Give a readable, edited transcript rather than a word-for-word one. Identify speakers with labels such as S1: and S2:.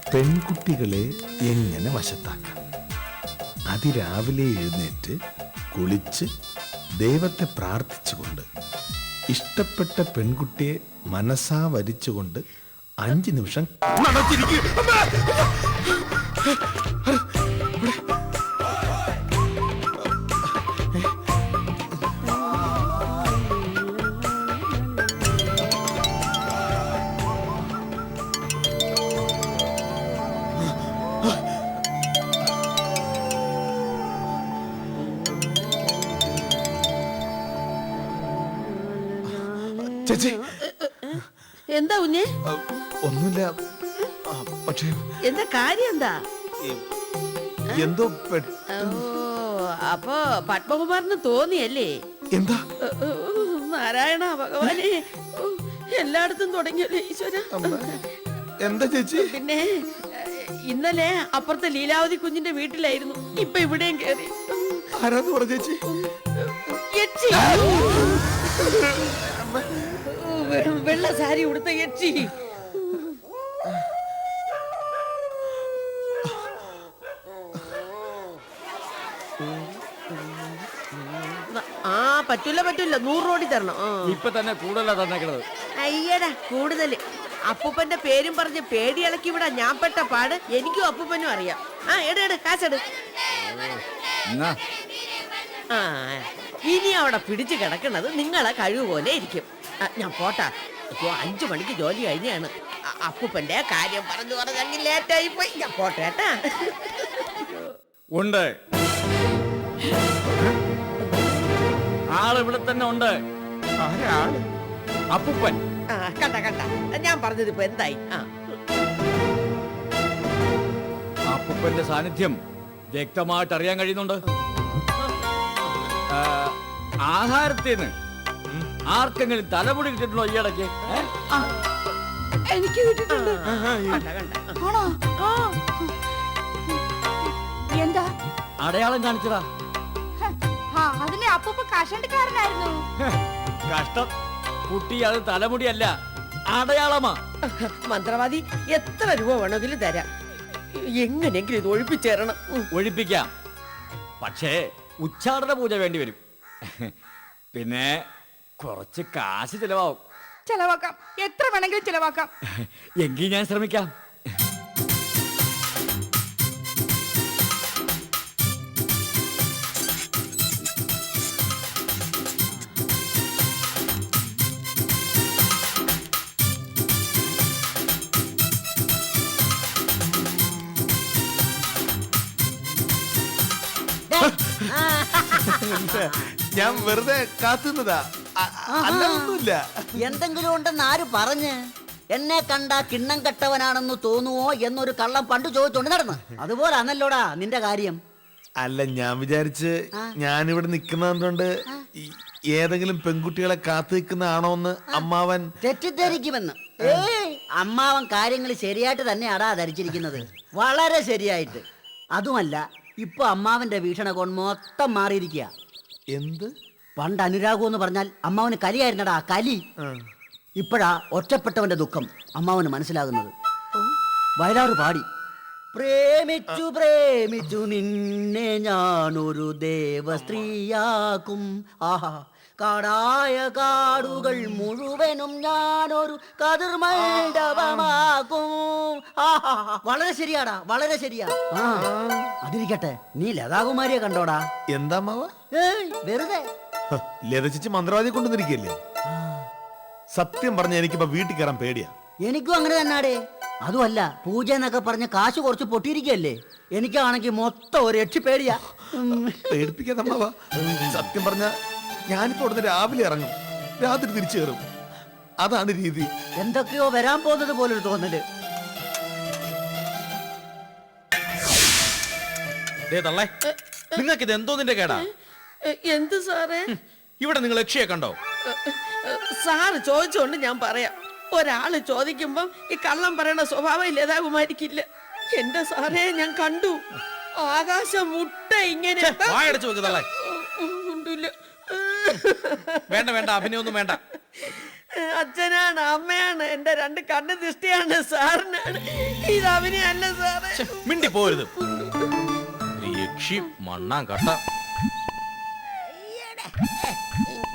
S1: പെൺകുട്ടികളെ എങ്ങനെ വശത്താക്കാം. അതിരാവിലെ എഴുന്നേറ്റ് കുളിച്ച് ദൈവത്തെ പ്രാർത്ഥിച്ചുകൊണ്ട് ഇഷ്ടപ്പെട്ട പെൺകുട്ടിയെ മനസ്സാ വരിച്ചുകൊണ്ട് 5 നിമിഷം ചേച്ചി.
S2: എന്താ കുഞ്ഞെ?
S1: ഒന്നുമില്ല. പക്ഷേ
S2: എന്താ കാര്യം? എന്താ
S1: എന്തോ
S2: അപ്പൊ പത്മകുമാറിന് തോന്നിയല്ലേ?
S1: എന്താ
S2: നാരായണ ഭഗവാനെ, എല്ലായിടത്തും തുടങ്ങിയല്ലേ ഈശ്വര.
S1: എന്താ ചേച്ചി?
S2: പിന്നെ ഇന്നലെ അപ്പുറത്തെ ലീലാവതി കുഞ്ഞിന്റെ വീട്ടിലായിരുന്നു, ഇപ്പൊ ഇവിടെയും കേറി.
S1: ആരാന്ന് പറഞ്ഞ ചേച്ചി?
S2: വെള്ള സാരി ഉടുത്ത യക്ഷി. പറ്റൂല 100 കോടി തരണം.
S3: ഇപ്പൊ തന്നെ കൂടുതലാ തന്നേക്കണത്.
S2: അയ്യടാ കൂടുതല്. അപ്പൂപ്പന്റെ പേരും പറഞ്ഞ് പേടി ഇളക്കി വിടാ ഞാൻ പെട്ട പാട് എനിക്കും അപ്പൂപ്പനും അറിയാം. എട് കാശെട്. ഇനി അവിടെ പിടിച്ചു കിടക്കുന്നത് നിങ്ങളെ കഴിവ് പോലെ ഇരിക്കും. ഞാൻ പോട്ടാ. ഇപ്പൊ 5 മണിക്ക് ജോലി കഴിഞ്ഞാണ്. അപ്പൂപ്പന്റെ കാര്യം പറഞ്ഞ് ലേറ്റായി പോയി. ഞാൻ പോട്ടേട്ടാ.
S3: ഉണ്ട്, ആളിവിടെ തന്നെ ഉണ്ട്. അപ്പൂപ്പൻ.
S2: കണ്ട ഞാൻ പറഞ്ഞത് ഇപ്പൊ എന്തായി?
S3: അപ്പൂപ്പന്റെ സാന്നിധ്യം വ്യക്തമായിട്ട് അറിയാൻ കഴിയുന്നുണ്ട്. ആഹാരത്തിന് ആർക്കെങ്കിലും തലമുടി കിട്ടിയിട്ടുണ്ടോ ഈ ഇടയ്ക്ക്?
S4: എനിക്ക് കിട്ടിയിട്ടുണ്ട്. എന്താ
S3: അടയാളം കാണിച്ചതാ.
S4: അതിലെ അപ്പൂപ്പ കഷണ്ടിക്കാരനായിരുന്നു.
S3: കഷ്ടം കുട്ടി, അത് തലമുടിയല്ല, അടയാളമാ.
S2: മന്ത്രവാദി എത്ര രൂപ വേണമെങ്കിലും തരാം. എങ്ങനെയെങ്കിലും ഇത് ഒഴിപ്പിച്ചേരണം.
S3: ഒഴിപ്പിക്കാം, പക്ഷേ ഉച്ചാടന പൂജ വേണ്ടി വരും. പിന്നെ കുറച്ച് കാശ് ചിലവാകും.
S4: ചെലവാക്കാം, എത്ര വേണമെങ്കിലും ചെലവാക്കാം.
S3: എങ്കിൽ ഞാൻ ശ്രമിക്കാം.
S1: ഞാൻ വെറുതെ കാത്തുന്നതാ, അല്ലൊന്നുമില്ല.
S5: എന്തെങ്കിലും ഉണ്ടെന്ന് ആര് പറഞ്ഞ്? എന്നെ കണ്ട കിണ്ണം കെട്ടവനാണെന്ന് തോന്നുവോ എന്നൊരു കള്ളം പണ്ട് ചോദിച്ചോണ്ട് നടന്ന്. അതുപോലെ അന്നല്ലോടാ നിന്റെ കാര്യം.
S1: അല്ല, ഞാൻ വിചാരിച്ച് ഞാനിവിടെ നിൽക്കുന്നതുകൊണ്ട് ഏതെങ്കിലും പെൺകുട്ടികളെ കാത്തു നിൽക്കുന്നതാണോ എന്ന് അമ്മാവൻ
S5: തെറ്റിദ്ധരിക്കുമെന്ന്. അമ്മാവൻ കാര്യങ്ങൾ ശരിയായിട്ട് തന്നെയാടാ ധരിച്ചിരിക്കുന്നത്, വളരെ ശരിയായിട്ട്. അതുമല്ല, ഇപ്പൊ അമ്മാവന്റെ വീക്ഷണകോൺ മൊത്തം മാറിയിരിക്കുക.
S1: എന്ത്?
S5: പണ്ട് അനുരാഗം എന്ന് പറഞ്ഞാൽ അമ്മാവന് കലിയായിരുന്നടാ, കലി. ഇപ്പോഴാ ഒറ്റപ്പെട്ടവന്റെ ദുഃഖം അമ്മാവന് മനസ്സിലാകുന്നത്. വയലാറ് പാടി, പ്രേമിച്ചു പ്രേമിച്ചു നിന്നെ ഞാനൊരു ദേവസ്ത്രീയാക്കും. ആഹാ, കാടായ കാടുകൾ മുഴുവനും ഞാനൊരു കതിർമണ്ഡപമാക്കും. ആഹാ, വളരെ ശരിയാടാ, വളരെ ശരിയാ. അതിരിക്കട്ടെ, നീ ലതാകുമാരിയെ കണ്ടോടാ?
S1: എന്താ അമ്മാവ?
S5: വെറുതെ.
S1: ലത ചേച്ചി മന്ത്രവാദിയെ കൊണ്ടുവന്നിരിക്കല്ലേ? സത്യം പറഞ്ഞ എനിക്കിപ്പോ വീട്ടിൽ കയറാൻ പേടിയാ.
S5: എനിക്കും അങ്ങനെ തന്നാടേ. അതുമല്ല, പൂജ എന്നൊക്കെ പറഞ്ഞ കാശ് കുറച്ച് പൊട്ടിയിരിക്കല്ലേ. എനിക്കാണെങ്കിൽ മൊത്തം ഒരു പേടിയാ.
S1: പേടിപ്പിക്കാതെ അമ്മാവ. സത്യം പറഞ്ഞ ഞാനിപ്പോ ഇവിടുന്ന് രാവിലെ ഇറങ്ങും, രാത്രി തിരിച്ചു കയറും. അതാണ് രീതി.
S5: എന്തൊക്കെയോ വരാൻ പോകുന്നത് പോലൊരു തോന്നല്.
S6: നിങ്ങൾക്ക് ഇത് എന്തോ നിന്റെ കേടാ?
S2: എന്ത് സാറേ?
S6: ഇവിടെ നിങ്ങൾ യക്ഷിയെ കണ്ടോ?
S2: സാറ് ചോദിച്ചോണ്ട് ഞാൻ പറയാം. ഒരാള് ചോദിക്കുമ്പം ഈ കള്ളം പറയണ സ്വഭാവം ലതാകുമാരിക്കില്ല. എന്റെ സാറേ, ഞാൻ കണ്ടു. ആകാശം മുട്ട ഇങ്ങനെ.
S6: വായടച്ചു വെക്ക് തള്ളേ.
S2: ഉണ്ടില്ല.
S6: വേണ്ട വേണ്ട, അഭിനയൊന്നും വേണ്ട.
S2: അച്ഛനാണ്, അമ്മയാണ്, എന്റെ രണ്ട് കണ്ണ് ദൃഷ്ടിയാണ്, സാറിനാണ്. ഇത് അഭിനയല്ല സാറേ.
S6: ഛെ, മിണ്ടി പോരുത്. യക്ഷി മണ്ണാൻ കട്ട.